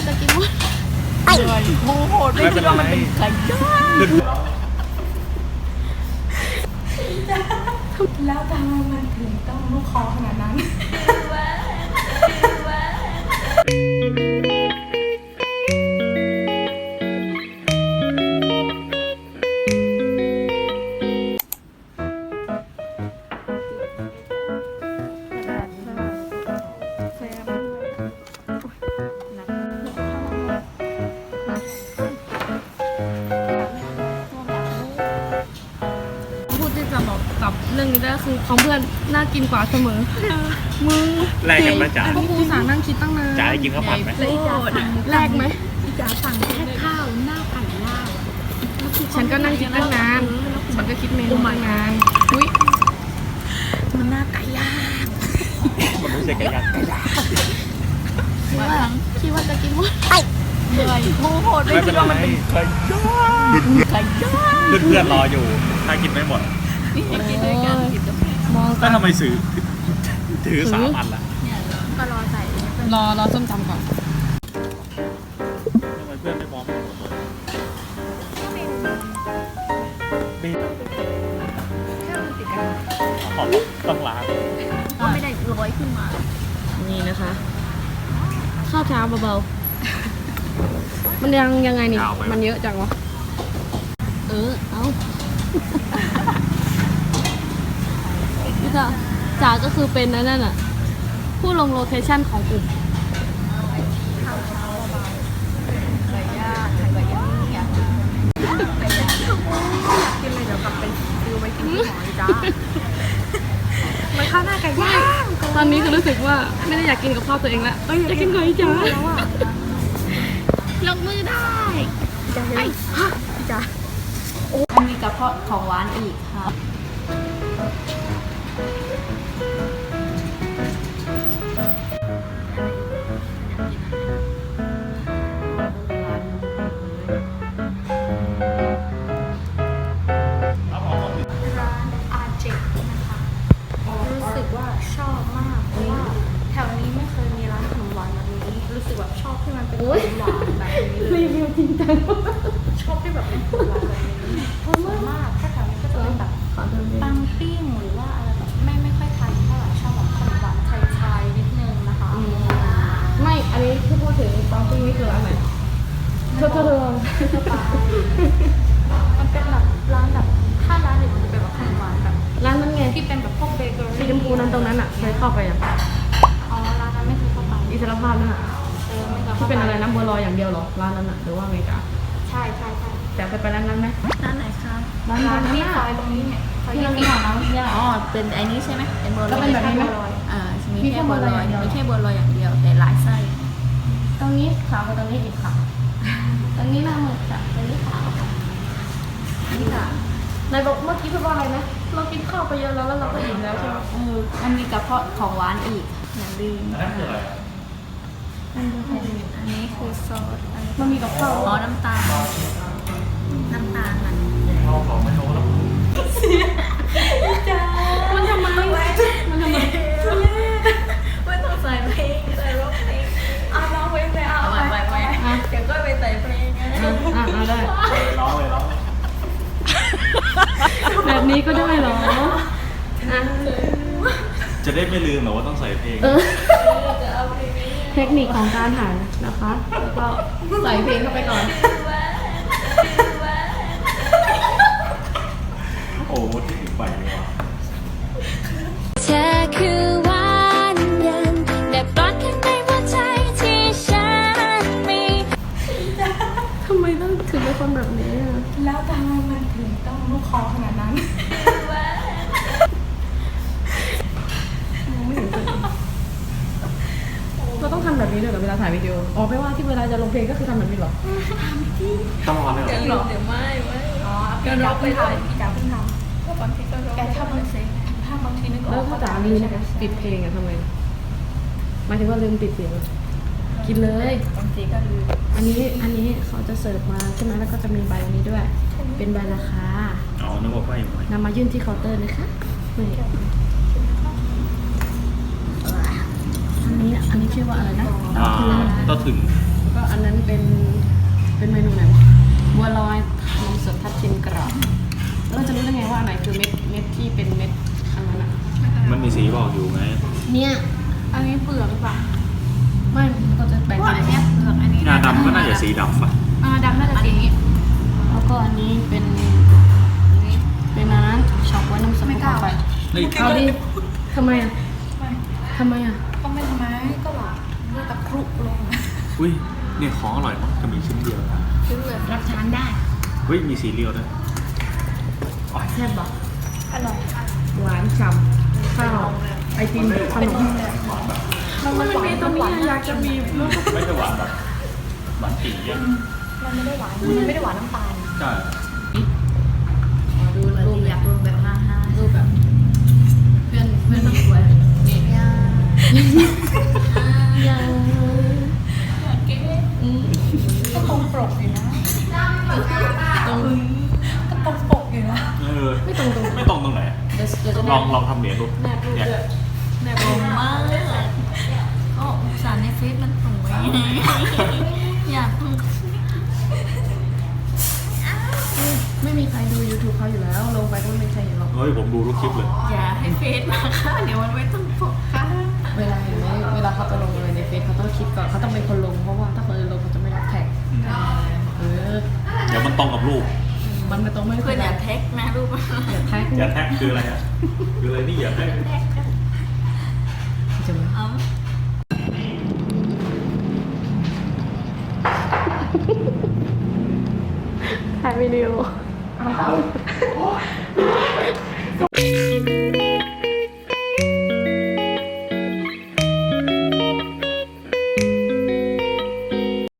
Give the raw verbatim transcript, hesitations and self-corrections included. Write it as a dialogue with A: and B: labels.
A: จะกินหมดเลยโมโหไม่คิดว่ามันเป็นไก่ย่าง
B: แล้วทำไมมันถึงต้องลูกคอขนาดนั้น
A: กับเรื่องนี้ได้คือของเพื่อนน่ากินกว่าเสมอมึง
C: แลกกันไหมจ๋า
A: พวกกูสั่งนั่งคิดตั้งนาน
C: จ๋าได้กินข้าวผัดไหม
A: แลกไหม
B: จ๋าสั่งแค่ข้าวหน้าไก่ย่าง
A: ฉันก็นั่งคิดตั้งนานฉันก็คิดเมนูตั้งนานอุ้ย
B: มันหน้าไก่ย่าง
C: มันไม่ใช่ไก่ย่าง
A: คิดว่าคิดว่าจะกินหมดเหนื่อยโมโหไม่
C: ไม่
A: คิ
C: เป็
A: ด
C: นไร
A: ว่ามันเป็น
C: ไก่ย่าง
A: ไก่ย่าง
C: เพื่อนๆรออยู่ถ้ากินไม่หมด
A: กินด้วยกันมอง
C: ก็ทำไมซื้อถือสามอันละ
B: ก็รอใส่
A: รอรอส้มตำก่อน
C: ทำไมเพื่อนไม่มองไม่หมดเลยมี
B: แค่มันติดกัน
C: ขอต้องล้าง
B: ก็ไม่ได้ร้อยขึ้นมา
A: นี่นะคะข้าวเช้าเบาๆมันยังยังไงนี่มันเยอะจังวะเออเอานี่ค่ะจ๋าก็คือเป็นนั่นน่ะผู้ลงโลเคชั่นของกลุ่ม
B: ไก่ย่างไก่ย่างอยากกินไก่ย่างอยากกินเลยเดี๋ยวกลับไปซื้อไว้กินที่หอจ้ามันข้าวหน้าไก่ย่าง
A: ตอนนี้คือรู้สึกว่าไม่ได้อยากกินกับข้าวตัวเองละอยากกินกับไอ้จ๋า
B: แล้วอ่ะ
A: ลงมือได้
B: จ๋าไอ้ฮะจ๋า
A: มันมีกระเพาะของหวานอีกค่ะ
B: ร้านอาเจกนะคะรู้สึกว่าชอบมากเพราะว่าแถวนี้ไม่เคยมีร้านขนมหวานแบบนี้รู้สึกแบบชอบที่มันเป็นขนมหวานแบบนี้เลย
A: รีวิวจริงจัง
B: ชอบที่แบบเป็นขนมหวานแบบนี้เพราะส่วนมากถ้าแถวนี้ก็จะเป็นแบบปังปิ้งหรือว่าอะไรแบบไม่ไม่ค่อยทานเท่าไหร่ชอบแบบขนมหวานไทยๆนิดนึงนะคะ
A: ไม่อันนี้ที่พูดถึงตอนที่นี่คือร้านไหนเธอเธอเธอ
B: มันเป็นแบบร้านแบบถ้าร้านอื่นมันจะเป็นแบบขนมหวานแบบ
A: ร้านนั้นไง
B: ที่เป็นแบบพวกเบเกอ
A: สี
B: รี่
A: ชมพูนั้นตรงนั้นอ่ะเคยเข้าไปอ่ะ
B: อ๋อร้านนั้นไม่เคยเข้าไป
A: อิสรภาพนั่นอ่ะ
B: เออไม่เคย
A: ที่
B: เข้าไป
A: เป็นอะไรน้ำบัวลอยอย่างเดียวเหรอร้านนั้นอ่ะหรือว่าไงจ๊ะ
B: ใช่ใช่ใช่
A: แต่เคยไปร้านนั้นไหม
B: ร้านไหนคะ
A: ร้าน
B: ร้าน
A: นั้น
B: ที่
A: น่ะ
B: ซอยตรงนี้เนี่ยซอย
A: ที่
B: ยี่
A: เรา
B: สิบ
A: มีของน้ำยา
D: อ๋อ เป็นไอ้นี้ใช่ไหมเป็นบัวล
A: แล้
D: อ
A: วย เป็นแบบนี้ไหม
D: อ่ามี
A: มี
D: แค่
A: แค่
D: บัวลอย
A: บัวลอยอย่างเดียว
D: มีแค่บัวลอยอย่างเดียว แต่หลายไส้
A: ตรงนี้ขาวกว่าตรงนี้อีกค่ะตรงนี้หน้ามือจ้ะตรงนี้ขาวค่ะนี่ค่ะนายบอกเมื่อกี้พูดว่าอะไรนะเรากินข้าวไปเยอะแล้วแล้วเราก็อิ่มแล้วใช่ไหม
D: เออมันมีกระเพาะของหวานอีก อย่าลืม
C: อันนั้นคืออะไรอะ
D: อันนี้คือซอสอันนี้
A: มันมีกับข้าว
D: อ๋อน้ำตาล น้ำตาลมัน
C: เอาของไม่โน้ตแล้ว
A: มันทำไมมันทำไม
D: ไม่ต้องใส่เพลงใส่ร้องเพลง
B: เอาน้องไว้ไปเอา
D: เอาไปไปไปเดี๋ยวก็ไปใส่เพลงไง
A: อ่ะอ่ะอ่ะได้
C: ร้องเลยร้องเลย
A: แบบนี้ก็ได้เหรออ่ะ
C: จะได้ไม่ลืมหรอว่าต้องใส่เพลง
A: เออเทคนิคของการถ่ายนะคะแล้วก็ใส่เพลงเข้าไปก่อน
C: โอ้โหที่อีกใบเลยว่ะ
E: เธอคือหวานเย็นแต่ปลอดข้างในหัวใจที่ฉันมี
A: ทำไมต้องถึงเป็นคนแบบนี้อ่ะ
B: แล้วทำไมมันถึงต้องลูกคอขนาดนั้น
A: เราต้องทำแบบนี้ด้วยเหรอเวลาถ่ายวิดีโออ๋อไม่ว่าที่เวลาจะลงเพลงก็คือทำแบบนี้เหรอ
C: ต้องร้อนเลยเหรอ
D: เดี๋ยวเดี๋ยวไม่ไม่
B: อ๋อพี่จ๋าเพิ่งทำพี่จ๋าเพิ่งทำ
D: เพราะบางทีก็ร้อง
B: แกถ้าบางทีถ้าบางทีนึกอ
A: แล้
B: อ
A: ว
B: ก
A: ถ้าจ๋าลืมปิดเพลงอะทำไงหมายถึงว่าลืมปิดเสียงอะกินเลย
D: บางทีก็ลืม
A: อันนี้อันนี้เขาจะเสิร์ฟมาใช่ไหมแล้วก็จะมีใบอันนี้ด้วย เป็นใบราคา
C: อ๋อนึกว่าไฟไหม
A: นำมายื่นที่เคาน์เตอร์นะคะนี่อันนี้อันนี้ชื่อว่าอะไรนะ
C: อ่าก็ถึง
A: แล้วก็อันนนั้นเป็นเป็นเมนูไหนวะบัวลอยนมสดทับทิมกรอบแล้วเราจะรู้ได้ไงว่าอันไหนคือเม็ดเม็ดที่เป็นเม็ดอันนั้นอะ
C: มันมีสีบอกอยู่ไง
A: เนี่ย
B: อันนี้เปลือกหรือเปล่า
A: ไม่เราจะแบ่ง
D: ว่า
A: เป็
D: อั
A: น
D: นเนี้ยเปลือกอันนี้
C: งาดำก็น่าจะสีดำป่ะ
B: อ่าดำน่าจะสีนี้
A: แล้วก็อันนี้เป็นเป็นอันนั้นช็อกไว้น้ำสด
B: ไม่กล้า
A: ไป
C: เฮ้ย
A: เอาดิทำไมอ่ะทำไมอ่ะ
B: ก็ไม่ทำไมก็หวานด้วยตะครุลง
C: อุ้ยเนี่ยของอร่อยมากจะมีชิ้นเดียว
B: ซื้อเลย
D: รับทานได้
C: เฮ้ยมีสีเรียวด้วยอ๋อ
A: แซ่บบอก
B: อร่อย
A: หวานฉ่ำข้าวไอติมขนม
B: มันมันมีตรงนี้อยากจะมี
C: ไม่ใช่หวานแบบหวานติ่งเยอะ
B: มันไม่ได้หวานมันไม่ได้หวานน้ำตาล
C: ใช่
A: ดู
D: มัน
A: รูป
D: อยากรวมแบบห้าห้า
A: รูปแบบเพื่อนเพื่อนสวยนี่
D: ยา
A: ยังอืม
B: ก็ตรงปกอยู่นะ
A: ตรง
B: ก็ตรงปกอยู่นะ
C: เออ
A: ไม่ตรงตรง
C: ไม่ตรงตรงไหน
A: เดี๋ยวเดี๋ยวจะ
C: ลองลองทำเหรียญดู
A: แนบรูป
C: เนี่ย
A: ด้วย
D: แนบลงมากก็สารในเฟซมันสวยอยาก
A: ไม่มีใครดู YouTube เขาอยู่แล้ว ลงไปก็ไม่มีใครเห็นหรอก
C: เฮ้ยผมดูทุกคลิปเลย
D: อย่าให้เฟซมาค่ะเดี๋ยวมันไม่ต้องปกค่ะ
A: เวลาเห็นไหมเวลาเขาจะลงอะไรในเฟซเขาต้องคิดก่อนเขาต้องเป็นคนลงเพราะว่าถ้าคนอื่นลงเขาจะไม่รับแท็กเออ
C: เดี๋ยวมันตรงกับรูป
A: มันไม่ตรงไม่
D: เพื่อนอย่าแท็กนะรูป
A: อย่าแท็ก
C: อย่าแท็กคืออะไรอ่ะคืออะไรนี่อย่าแท็ก
A: จะไม่
D: เอา
A: ถ่ายวิดีโอ